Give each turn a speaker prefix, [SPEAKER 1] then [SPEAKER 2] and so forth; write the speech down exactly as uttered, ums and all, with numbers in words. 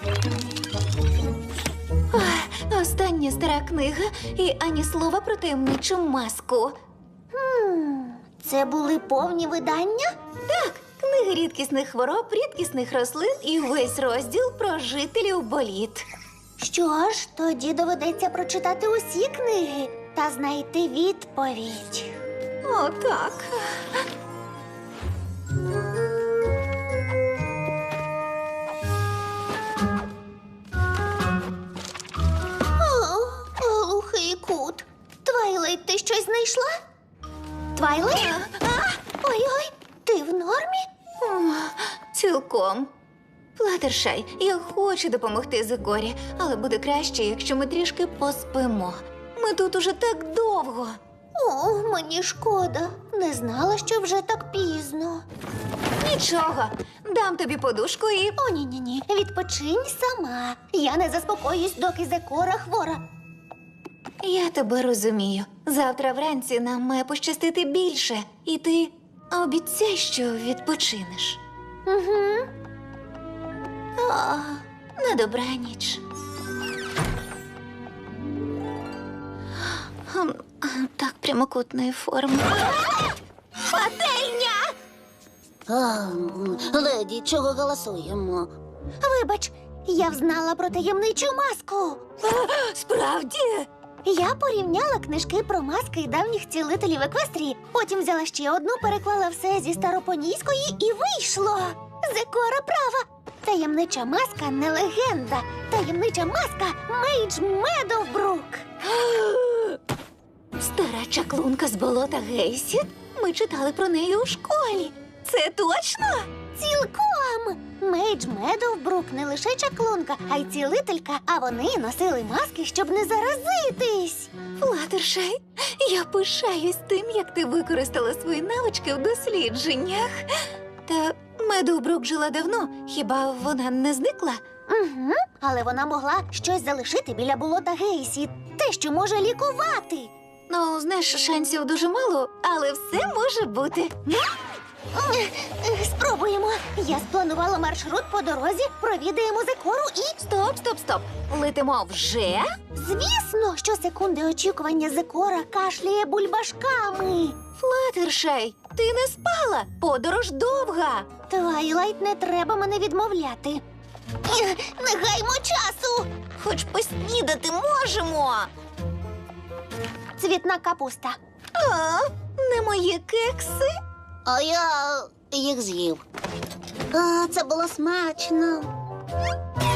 [SPEAKER 1] Ох, остання стара книга і ані слова про таємничу маску.
[SPEAKER 2] Хм, це були повні видання?
[SPEAKER 1] Так, книги рідкісних хвороб, рідкісних рослин і весь розділ про жителів боліт.
[SPEAKER 2] Що ж, тоді доведеться прочитати усі книги та знайти відповідь.
[SPEAKER 1] О, так.
[SPEAKER 2] О, глухий кут. Твайлайт, ти щось знайшла? Твайлайт? Ой-ой, ти в нормі?
[SPEAKER 1] М, Цілком. Флаттершай, я хочу допомогти Зикорі, але буде краще, якщо ми трішки поспимо. Ми тут уже так довго.
[SPEAKER 2] О, мені шкода. Не знала, що вже так пізно.
[SPEAKER 1] Нічого, дам тобі подушку і...
[SPEAKER 2] О, ні-ні-ні, відпочинь сама. Я не заспокоюсь, доки Зекора хвора.
[SPEAKER 1] Я тебе розумію. Завтра вранці нам має пощастити більше. І ти обіцяй, що відпочинеш.
[SPEAKER 2] Угу.
[SPEAKER 1] О, на добраніч. Хм, Так прямокутної форми.
[SPEAKER 2] Пательня!
[SPEAKER 3] А, леді, чого голосуємо?
[SPEAKER 2] Вибач, я взнала про таємничу маску.
[SPEAKER 1] Справді?
[SPEAKER 2] Я порівняла книжки про маски давніх цілителів Еквестрії, потім взяла ще одну, переклала все зі старопонійської і вийшло. Зекора права. Таємнича маска не легенда. Таємнича маска Мейдж Медовбрук.
[SPEAKER 1] Стара чаклунка з болота Гейсіт? Ми читали про неї у школі. Це точно?
[SPEAKER 2] Цілком! Мейдж Медовбрук не лише чаклунка, а й цілителька, а вони носили маски, щоб не заразитись.
[SPEAKER 1] Флаттершай, я пишаюсь тим, як ти використала свої навички в дослідженнях. Та Медовбрук жила давно, хіба вона не зникла?
[SPEAKER 2] Угу, але вона могла щось залишити біля болота Гейсі, те, що може лікувати.
[SPEAKER 1] Ну, знаєш, шансів дуже мало, але все може бути.
[SPEAKER 2] Ех, Спробуємо. Я спланувала маршрут по дорозі, провідаємо Зекору і...
[SPEAKER 1] Стоп, стоп, стоп. Летимо вже?
[SPEAKER 2] Звісно, що секунди очікування Зекора кашляє бульбашками.
[SPEAKER 1] Флаттершай, ти не спала? Подорож довга.
[SPEAKER 2] Твайлайт, не треба мене відмовляти. Ех, Не гаймо часу!
[SPEAKER 1] Хоч поснідати можемо.
[SPEAKER 2] Цвітна капуста.
[SPEAKER 1] А, не мої кекси?
[SPEAKER 3] А я їх з'їв. А, це було смачно.